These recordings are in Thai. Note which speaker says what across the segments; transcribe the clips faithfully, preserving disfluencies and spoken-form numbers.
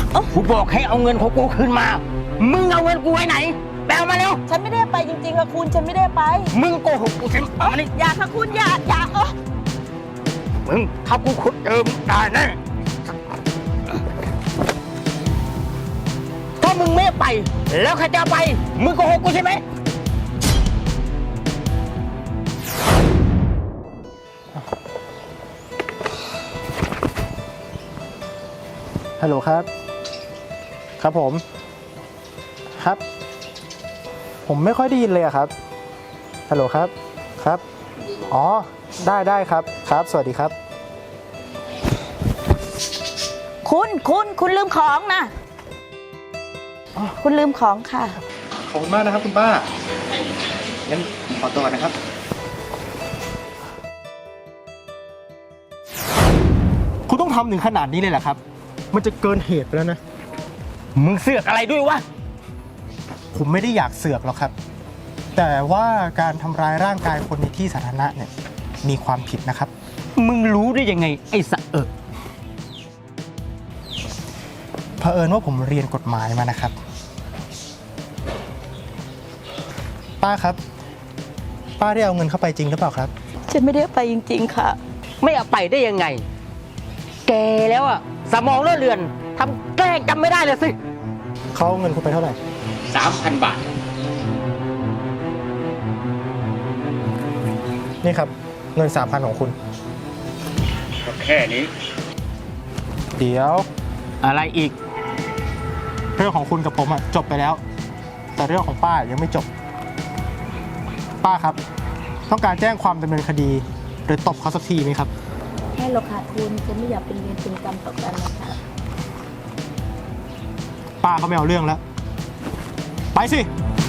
Speaker 1: กูบอกให้เอาเงินของกูคืนมามึงเอาเงินกูไว้ไหนแปลมาเร็ว
Speaker 2: ฉันไม่ได้ไปจริงๆค่ะคุณฉันไม่ได้ไป
Speaker 1: มึงโกหกกูใช่ไหมเอามานี่
Speaker 2: อย่าค่ะคุณอย่าอย่าเออ
Speaker 1: มึงถ้ากูขุดเจอมึงตายแน่ถ้ามึงไม่ไปแล้วใครจะไปมึงโกหกกูใช่ไหม
Speaker 3: ฮัลโหลครับครับผมครับผมไม่ค่อยได้ยินเลยครับฮัลโหลครับครับอ๋อได้ได้ครับครับสวัสดีครับ
Speaker 2: คุณคุณคุณลืมของนะคุณลืมของค่ะ
Speaker 3: ขอบคุณมากนะครับคุณป้างั้นขอตัวนะครับคุณต้องทำถึงขนาดนี้เลยเหรอครับมันจะเกินเหตุไปแล้วนะ
Speaker 1: มึงเสือกอะไรด้วยวะ
Speaker 3: ผมไม่ได้อยากเสือกหรอกครับแต่ว่าการทำร้ายร่างกายคนในที่สาธารณะเนี่ยมีความผิดนะครับ
Speaker 1: มึงรู้ได้ยังไงไอ้สะเอิก
Speaker 3: เผอิญว่าผมเรียนกฎหมายมานะครับป้าครับป้าได้เอาเงินเข้าไปจริงหรือเปล่าครับ
Speaker 2: ฉันไม่ได้ไปจริงๆค่ะ
Speaker 1: ไม่เอาไปได้ยังไงแกแล้วอะสมองเลอะเลือนทำแกล้งจำไม่ได้เลยสิ
Speaker 3: เขาเอาเงินคุณไปเท่าไหร่
Speaker 1: สามพันบาท
Speaker 3: นี่ครับเงินสามพันของคุณ
Speaker 1: ก็แค่นี้
Speaker 3: เดี๋ยว
Speaker 1: อะไรอีก
Speaker 3: เรื่องของคุณกับผมอะจบไปแล้วแต่เรื่องของป้ายังไม่จบป้าครับต้องการแจ้งความดำเนินคดีหรือตบเขาสักทีไหมครับ
Speaker 2: แค่เราขาดทุนฉันไม่อยากเป็นเวรเป็นกรรมต่อกันนะคะ
Speaker 3: ป้าก็ไม่เอาเรื่องแล้วไปสิ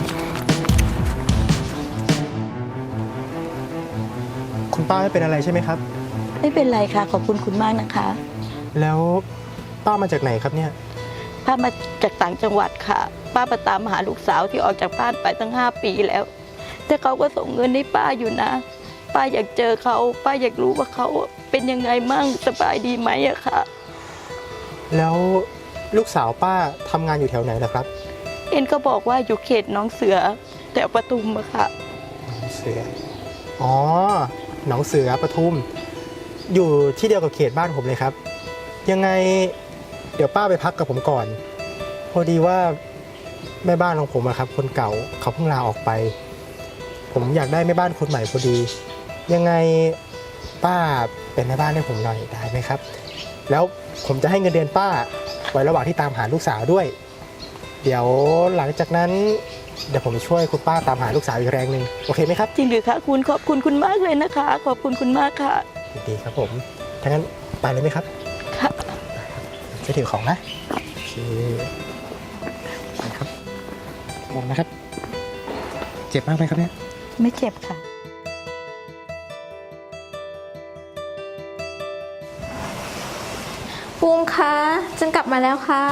Speaker 3: คุณป้าไม่เป็นอะไรใช่ไหมครับ
Speaker 2: ไม่เป็นไรค่ะขอบคุณคุณมากนะคะ
Speaker 3: แล้วป้ามาจากไหนครับเนี่ย
Speaker 2: ป้ามาจากต่างจังหวัดค่ะป้ามาตามหาลูกสาวที่ออกจากบ้านไปตั้งห้าปีแล้วแต่เขาก็ส่งเงินให้ป้าอยู่นะป้าอยากเจอเขาป้าอยากรู้ว่าเขาเป็นยังไงมั่งสบายดีไหมอะค่ะ
Speaker 3: แล้วลูกสาวป้าทำงานอยู่แถวไหนล่ะครับ
Speaker 2: เอ็นก็บอกว่าอยู่เขตหนองเสือแถวปทุมอะค่ะ
Speaker 3: หนองเสืออ๋อหนองเสือปทุมอยู่ที่เดียวกับเขตบ้านผมเลยครับยังไงเดี๋ยวป้าไปพักกับผมก่อนพอดีว่าแม่บ้านของผมอะครับคนเก่าเขาเพิ่งลาออกไปผมอยากได้แม่บ้านคนใหม่พอดียังไงป้าเป็นแม่บ้านให้ผมหน่อยได้ไหมครับแล้วผมจะให้เงินเดือนป้าไว้ระหว่างที่ตามหาลูกสาวด้วยเดี๋ยวหลังจากนั้นเดี๋ยวผมช่วยคุณป้าตามหาลูกสาวอีกแรงหนึ่งโอเคไหมครับ
Speaker 2: จริงหรือคะคุณขอบคุณคุณมากเลยนะคะขอบคุณคุณมากค่ะ
Speaker 3: ดีครับผมถ้างั้นไปเลยไหมครับ
Speaker 2: ค่ะ
Speaker 3: จะถือของนะโอเคครับมองนะครับเจ็บมากไหมครับเนี่ย
Speaker 2: ไม่เจ็บค่ะ
Speaker 4: ภูมิคะฉันกลับมาแล้วค่ะ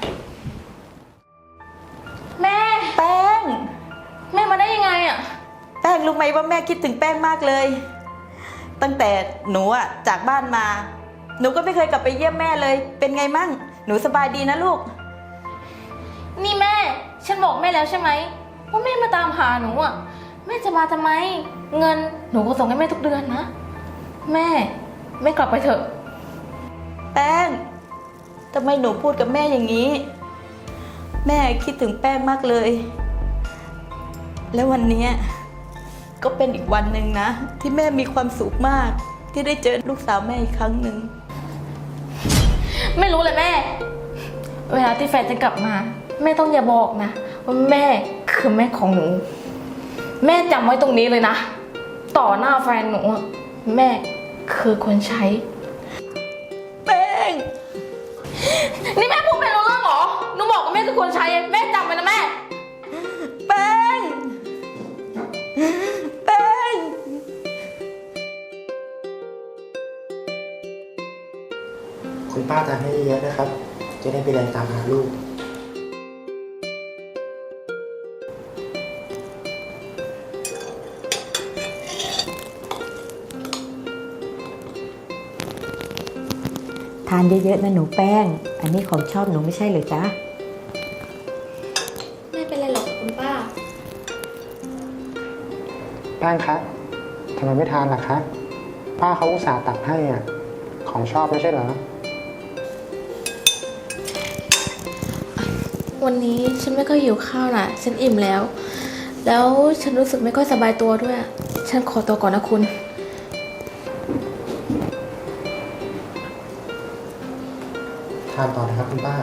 Speaker 4: แม่
Speaker 2: แป้ง
Speaker 4: แม่มาได้ยังไงอะ
Speaker 2: แป้งรู้ไหมว่าแม่คิดถึงแป้งมากเลยตั้งแต่หนูอะจากบ้านมาหนูก็ไม่เคยกลับไปเยี่ยมแม่เลยเป็นไงมั่งหนูสบายดีนะลูก
Speaker 4: นี่แม่ฉันบอกแม่แล้วใช่ไหมว่าแม่มาตามหาหนูอะแม่จะมาทำไมเงินหนูก็ส่งให้แม่ทุกเดือนนะแม่แม่กลับไปเถอะ
Speaker 2: แป้งทำไมหนูพูดกับแม่อย่างนี้แม่คิดถึงแป้งมากเลยแล้ววันนี้ก็เป็นอีกวันหนึ่งนะที่แม่มีความสุขมากที่ได้เจอลูกสาวแม่อีกครั้งหนึ่ง
Speaker 4: ไม่รู้เลยแม่เวลาที่แฟนจะกลับมาแม่ต้องอย่าบอกนะว่าแม่คือแม่ของหนูแม่จำไว้ตรงนี้เลยนะต่อหน้าแฟนหนูแม่คือคนใช้
Speaker 2: แป้ง
Speaker 4: นี่แม่พูดไม่รู้เรื่องหรอหนูบอกว่าแม่คือคนใช้แม่จำไว้นะแม่
Speaker 2: แป้งแป้ง
Speaker 3: คุณป้าจะให้เยอะนะครับจะได้ไปเรียนตามหาลูก
Speaker 2: านเยอะๆนะหนูแป้ง อันนี้ของชอบหนูไม่ใช่เหรอจ๊ะ
Speaker 4: ไม่เป็นไรหรอกคุณป้า
Speaker 3: แป้งคะทำไมไม่ทานล่ะคะ ป้าเขาอุตส่าห์ตักให้อ่ะ ของชอบไม่ใช่เหรอ
Speaker 4: วันนี้ฉันไม่ค่อยหิวข้าวน่ะ ฉันอิ่มแล้ว แล้วฉันรู้สึกไม่ค่อยสบายตัวด้วย ฉันขอตัวก่อนนะคุณ
Speaker 3: ทานต่อนะครับคุณป้า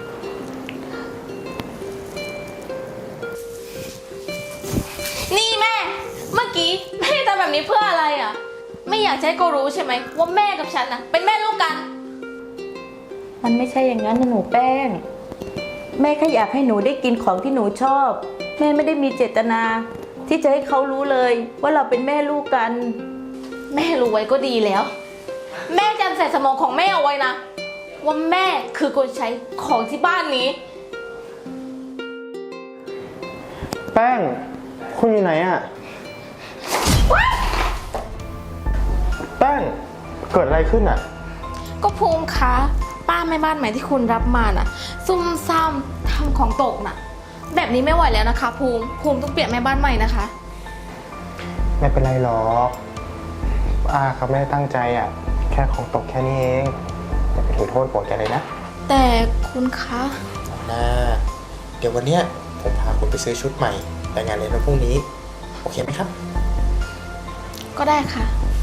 Speaker 4: นี่แม่ เมื่อกี้แม่ทำแบบนี้เพื่ออะไรอ่ะ ไม่อยากจะให้เขารู้ใช่ไหมว่าแม่กับฉันน่ะเป็นแม่ลูกกัน
Speaker 2: มันไม่ใช่อย่างนั้นนะหนูแป้ง แม่แค่อยากให้หนูได้กินของที่หนูชอบ แม่ไม่ได้มีเจตนา ที่จะให้เขารู้เลยว่าเราเป็นแม่ลูกกัน
Speaker 4: แม่รู้ไว้ก็ดีแล้ว แม่จำใส่สมองของแม่เอาไว้นะ ว่าแม่คือคนใช้ของที่บ้านนี้
Speaker 3: แป้ง คุณอยู่ไหนอ่ะ แป้ง เกิดอะไรขึ้นอ่ะ
Speaker 4: ก็ภูมิคะป้าแม่บ้านใหม่ที่คุณรับมาน่ะ ซุ่มซ่ามทำของตกน่ะ แบบนี้ไม่ไหวแล้วนะคะ ภูมิภูมิต้องเปลี่ยนแม่บ้านใหม่นะคะ
Speaker 3: ไม่เป็นไรหรอกป้าเขาไม่ได้ตั้งใจอ่ะ แค่ของตกแค่นี้เองอย่าไปถือโทษโกรธแกเลยนะ
Speaker 4: แต่คุณคะ
Speaker 3: นะเดี๋ยววันเนี้ยผมพาคุณไปซื้อชุดใหม่ไปงานเลี้ยงวันพรุ่งนี้ โอเคไหมครับ
Speaker 4: ก็ได้ค่ะ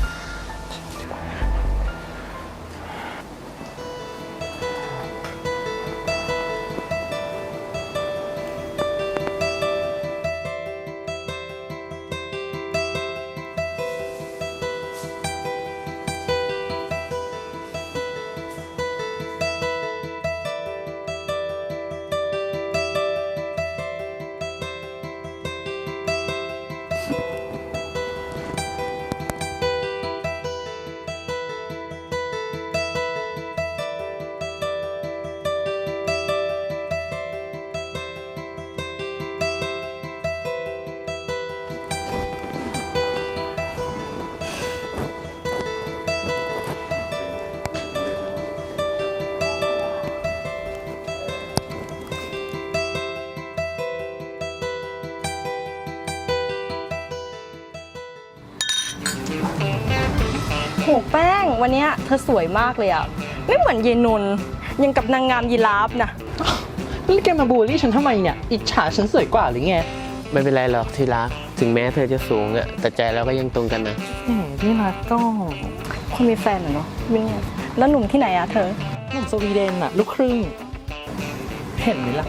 Speaker 5: โหแป้งวันเนี้ยเธอสวยมากเลยอะไม่เหมือนเยนนยังกับนางงามยีราฟนะ
Speaker 6: นี่แกมาบูลลี่ฉันทำไมเนี่ย อิจฉาฉันสวยกว่าหรือไง
Speaker 1: ไม่เป็นไรหรอกที่รัก ถึงแม้เธอจะสูงอะแต่ใจเราก็ยังตรงกันนะ
Speaker 5: แหมนี่รักก็คนมีแฟนเหรอเนาะวิ่งอะแล้วหนุ่มที่ไหนอะเธอ
Speaker 6: หนุ่มสวีเดนอะลูกครึ่ง เห็นไหมล่ะ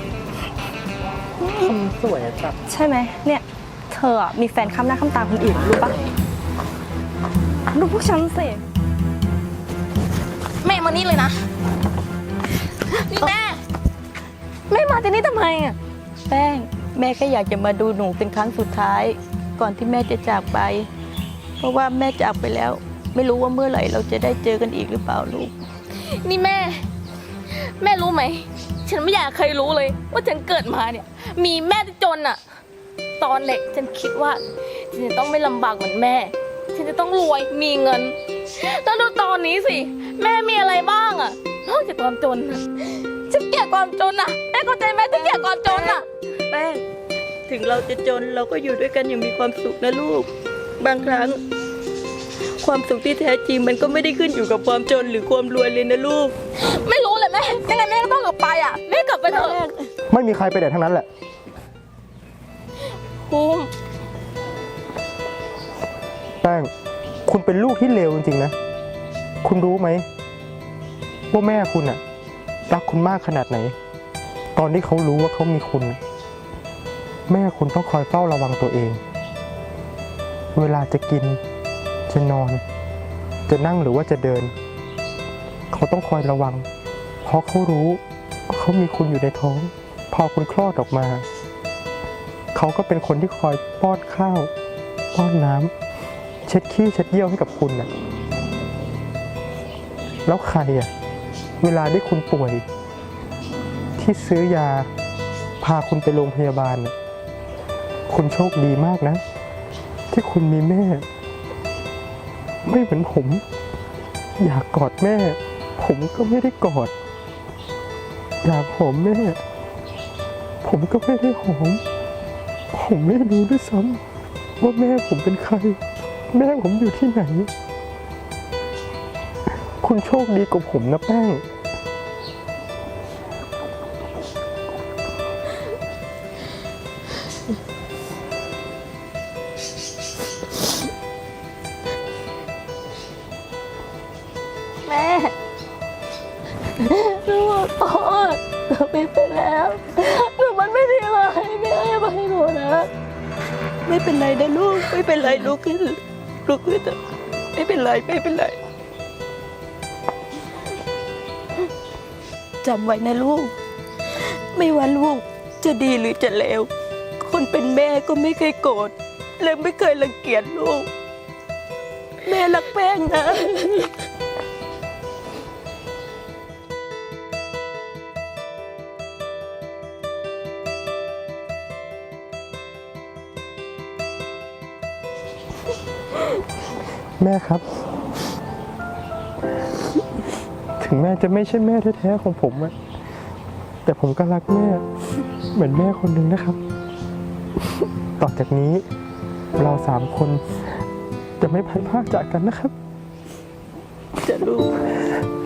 Speaker 6: คำสวยอะจับ
Speaker 5: ใช่ไหมเนี่ยเธออะมีแฟนข้ามหน้าข้ามตาคนอื่นรู้ปะดูพวกฉันสิ
Speaker 4: แม่มานี่เลยนะ นี่แม่
Speaker 5: แม่มาที่นี่ทำไมอะแป้งแม่แค่อยากจะมาดูหนูเป็นครั้งสุดท้าย ก่อนที่แม่จะจากไป เพราะว่าแม่จากไปแล้ว ไม่รู้ว่าเมื่อไหร่เราจะได้เจอกันอีกหรือเปล่าลูก
Speaker 4: นี่แม่ แม่รู้ไหม ฉันไม่อยากเคยรู้เลย ว่าฉันเกิดมาเนี่ย มีแม่ที่จนอะตอนเด็กฉันคิดว่าฉันจะต้องไม่ลำบากเหมือนแม่ ฉันจะต้องรวยมีเงินแล้วดูตอนนี้สิ แม่มีอะไรบ้างอะนอกจากความจนอะฉันเกลียดความจนอะแม่เข้าใจไหมฉันเกลียดความจนอะ
Speaker 5: แป้งถึงเราจะจนเราก็อยู่ด้วยกันอย่างมีความสุขนะลูก บางครั้ง ความสุขที่แท้จริงมันก็ไม่ได้ขึ้นอยู่กับความจนหรือความรวยเลยนะลูก
Speaker 4: ไม่รู้เลยแม่ยังไงแม่ก็ต้องกลับไปอะแม่กลับไปเถอะ
Speaker 3: ไม่มีใครไปไหนทั้งนั้นแหละ
Speaker 4: ภูมิ
Speaker 3: แป้ง คุณเป็นลูกที่เลวจริงๆนะ คุณรู้ไหมว่าแม่คุณอะรักคุณมากขนาดไหน ตอนที่เขารู้ว่าเขามีคุณ แม่คุณต้องคอยเฝ้าระวังตัวเอง เวลาจะกิน จะนอน จะนั่งหรือว่าจะเดิน เขาต้องคอยระวัง เพราะเขารู้ว่าเขามีคุณอยู่ในท้อง พอคุณคลอดออกมา เขาก็เป็นคนที่คอยป้อนข้าว ป้อนน้ำเช็ดขี้เช็ดเยี่ยวให้กับคุณน่ะ แล้วใครอ่ะ เวลาที่คุณป่วย ที่ซื้อยา พาคุณไปโรงพยาบาลน่ะคุณโชคดีมากนะ ที่คุณมีแม่ ไม่เหมือนผม อยากกอดแม่ผมก็ไม่ได้กอด อยากหอมแม่ ผมก็ไม่ได้หอม ผมไม่รู้ด้วยซ้ำว่าแม่ผมเป็นใคร แม่ผมอยู่ที่ไหน คุณโชคดีกว่าผมนะแป้ง
Speaker 5: แม่หนูขอโทษหนูผิดไปแล้วหนูมันไม่ดีเลยแม่ให้มาให้หนูนะ ไม่เป็นไรนะลูก ไม่เป็นไรลูกขึ้นลูกขึ้นเถอะไม่เป็นไรไม่เป็นไรจำไว้นะลูก ไม่ว่าลูกจะดีหรือจะเลวคนเป็นแม่ก็ไม่เคยโกรธและไม่เคยรังเกียจลูก แม่รักแป้งนะ
Speaker 3: แม่ครับ ถึงแม่จะไม่ใช่แม่แท้ๆของผมอะแต่ผมก็รักแม่ เหมือนแม่คนหนึ่งนะครับ ต่อจากนี้เราสามคนจะไม่พัดพรากจากกันนะครับ
Speaker 5: จะลูก